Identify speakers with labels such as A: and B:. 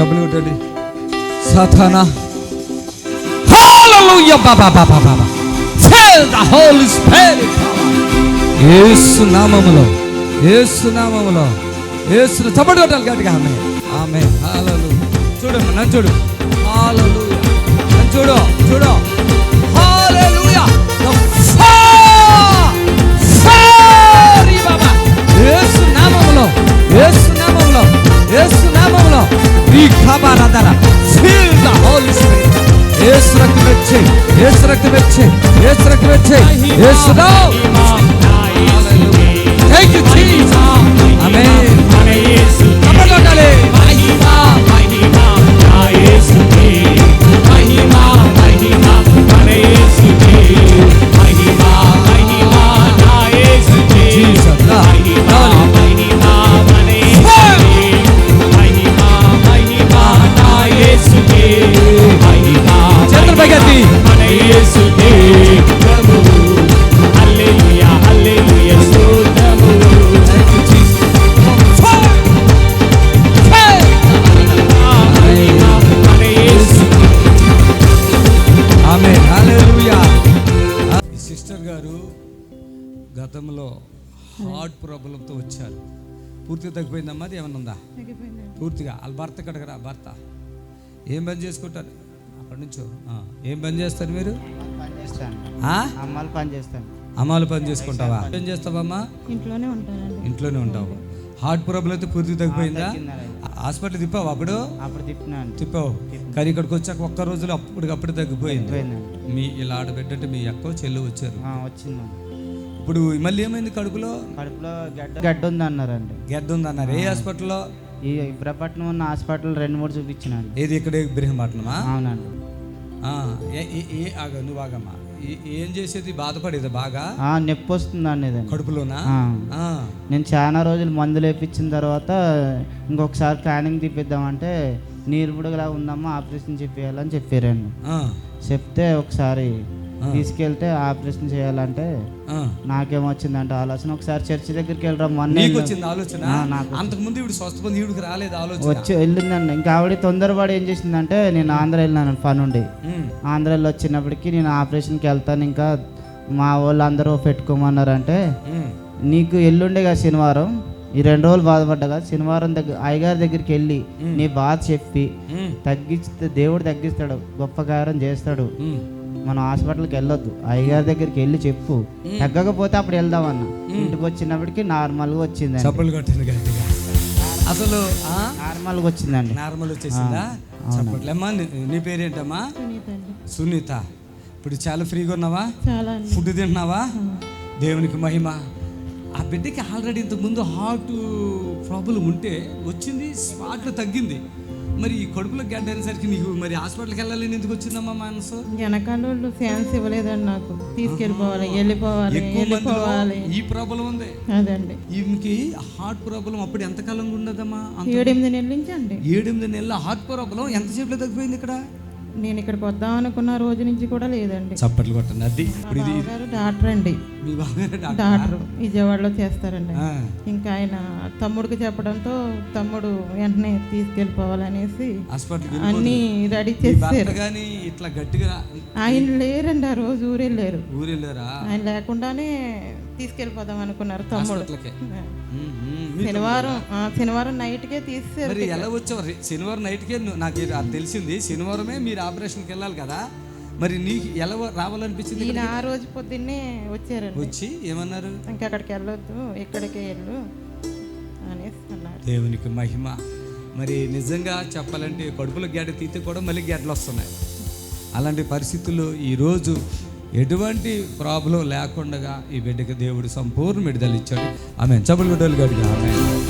A: చప్పలు కొట్టండి. సాతానా హల్లెలూయా బాబా బాబా బాబా fill the holy spirit. Yesu నామములో, యేసు నామములో, యేసు చప్పలు కొట్టాలి గట్టిగా. ఆమె ఆమె హల్లెలూయా. చూడమ్మా నన్ను చూడు. హల్లెలూయా. నన్ను చూడు చూడు. హల్లెలూయా. యేసు నామములో, యేసు నామములో, యేసు నామములో ఈ ఖబరదర fill the holy spirit. Yesu రక్తం వచ్చే, యేసు రక్తం వచ్చే, యేసు రక్తం వచ్చే, యేసు నామం. Thank you Jesus. Amen. Yesu కబలడాలే మహిమా మహిమా నా యేసుకే మహిమా మహిమా మన యేసుకే మహిమా మహిమా నా యేసుకే జీసస్ మహిమా మహిమా మన యేసుకే మహిమా మహిమా నా యేసుకే మహిమా చంద్రబగతి మన యేసుకే ప్రభువు. హల్లెలూయా హల్లెలూయా స్తోత్రము. Thank you Jesus. Amen hallelujah. ఈ సిస్టర్ గారు గతంలో హార్ట్ ప్రాబ్లంతో వచ్చారు. పూర్తిగా తగ్గిపోయిందమ్మా? అది ఏమన్నా ఉందా? పూర్తిగా. వాళ్ళ భర్త కడగరా. భర్త ఏం పని చేసుకుంటారు? అక్కడి నుంచో ఏం పని చేస్తారు మీరు? అమ్మాలు పని చేసుకుంటావా? ఏం చేస్తావమ్మా? ఇంట్లోనే ఉంటావు. హార్ట్ ప్రాబ్లం అయితే పూర్తిగా తగ్గిపోయిందా? హాస్పిటల్ తిప్పావు? అప్పుడు తిప్పావు. కానీ ఇక్కడికి వచ్చాక ఒక్క రోజులో అప్పటికప్పుడు తగ్గిపోయింది. మీ ఇలా ఆడబెట్టంటే మీ అక్క చెల్లు వచ్చారు. ఇప్పుడు మళ్ళీ ఏమైంది? కడుపులో
B: గడ్డ ఉంది అన్నారండి.
A: గడ్డ ఉంది అన్నారు. ఏ హాస్పిటల్లో?
B: ఈ ఇబ్రపట్నం ఉన్న హాస్పిటల్ 2-3 చూపించినాను.
A: ఏది? ఇక్కడ ఇబ్రహీంపట్నమా?
B: అవునండి.
A: నువ్వు బాగమ్మా ఏం చేసేది? బాధపడేది బాగా?
B: నొప్పి వస్తుందండి
A: కడుపులోనా?
B: నేను చాలా రోజులు మందులు వేయించిన తర్వాత ఇంకొకసారి స్కానింగ్ తీపిద్దామంటే నీరు బుడగలా ఉందమ్మా, ఆపరేషన్ చేయాలని చెప్పారండి. చెప్తే ఒకసారి తీసుకెళ్తే ఆపరేషన్ చేయాలంటే నాకేమొచ్చిందంటే ఆలోచన, ఒకసారి చర్చి దగ్గరికి వెళ్ళరమ్మని
A: ఆలోచన. అంతకు ముందు ఇప్పుడు స్వస్థ ఈవిడికి రాలేదు ఆలోచన.
B: వచ్చి వెళ్ళిందండి. ఇంకా ఆవిడ తొందరపడి ఏం చేసిందంటే, నేను ఆంధ్ర వెళ్ళినాను పనుండి. ఆంధ్రాలో వచ్చినప్పటికీ నేను ఆపరేషన్కి వెళ్తాను, ఇంకా మా వాళ్ళు అందరూ పెట్టుకోమన్నారంటే, నీకు ఎల్లుండేగా శనివారం, ఈ 2 రోజులు బాధపడ్డగా శనివారం అయ్యగారి దగ్గరికి వెళ్ళి నీ బాధ చెప్పి తగ్గిస్తే దేవుడు తగ్గిస్తాడు, గొప్ప కార్యం చేస్తాడు. మనం హాస్పిటల్కి వెళ్ళొద్దు, అయ్యగారి దగ్గరికి వెళ్ళి చెప్పు, తగ్గకపోతే అప్పుడు వెళ్దామన్న. ఇంటికి వచ్చినప్పటికీ నార్మల్గా వచ్చింది.
A: అసలు
B: నార్మల్గా వచ్చిందండి.
A: నార్మల్ వచ్చేసిందా? చెప్పట్లేమ్మా. నీ పేరేంటమ్మా? సునీత. ఇప్పుడు చాలా ఫ్రీగా ఉన్నావా? ఫుడ్ తింటున్నావా? దేవునికి మహిమ. ఆ బిడ్డకి ఆల్రెడీ ఇంతకుముందు హార్ట్ ప్రాబ్లం ఉంటే వచ్చింది, స్పాట్లో తగ్గింది. మరి ఈ కడుపులో గడ్డ అనేసరికి నీకు మరి హాస్పిటల్కి వెళ్ళాలని ఎందుకు వచ్చిందమ్మా మనసు?
C: వెనకాల ఛాన్స్ ఇవ్వలేదండి నాకు. తీసుకెళ్ళిపోవాలి, వెళ్ళిపోవాలి.
A: ఈ ప్రాబ్లం ఉంది
C: అదండి.
A: ఈమెకి హార్ట్ ప్రాబ్లం అప్పుడు ఎంతకాలంగా ఉండదమ్మా?
C: 7-8 నెలల నుంచి అండి.
A: 7-8 నెలల హార్ట్ ప్రాబ్లం ఎంతసేపులో తగ్గిపోయింది? ఇక్కడ
C: నేను ఇక్కడికి వద్దాం అనుకున్న రోజు నుంచి కూడా లేదండి.
A: చప్పట్లు కొట్టండి. అది
C: డాక్టర్ అండి. డాక్టర్ విజయవాడలో చేస్తారండి. ఇంకా ఆయన తమ్ముడికి చెప్పడంతో తమ్ముడు వెంటనే తీసుకెళ్ళిపోవాలనేసి అన్ని రెడీ చేశారు.
A: ఇట్లా గట్టిగా
C: ఆయన లేరండి ఆ రోజు. ఊరెళ్ళారు. ఆయన లేకుండానే తీసుకెళ్ళిపోదాం అనుకున్నారు తమ్ముడు. శనివారం నైట్కే తీసేసారు.
A: ఎలా వచ్చావు? శనివారం నైట్కే నాకు తెలిసింది. శనివారమే మీరు ఆపరేషన్కి వెళ్ళాలి కదా, మరి నీకు ఎలా రావాలనిపించింది?
C: ఈయన ఆ రోజు పొద్దున్నే వచ్చారండి.
A: వచ్చి ఏమన్నారు?
C: ఇంకా అక్కడికి వెళ్ళొద్దు, ఇక్కడికే వెళ్ళు అనేసి అన్నారు.
A: దేవునికి మహిమ. మరి నిజంగా చెప్పాలంటే కడుపులో గడ్డ తీతే కూడా మళ్ళీ గడ్డలు వస్తున్నాయి. అలాంటి పరిస్థితుల్లో ఈరోజు ఎటువంటి ప్రాబ్లం లేకుండా ఈ బిడ్డకి దేవుడు సంపూర్ణ విడుదల ఇచ్చాడు. ఆమె చబులు గడ్డలు గడిగా ఆమె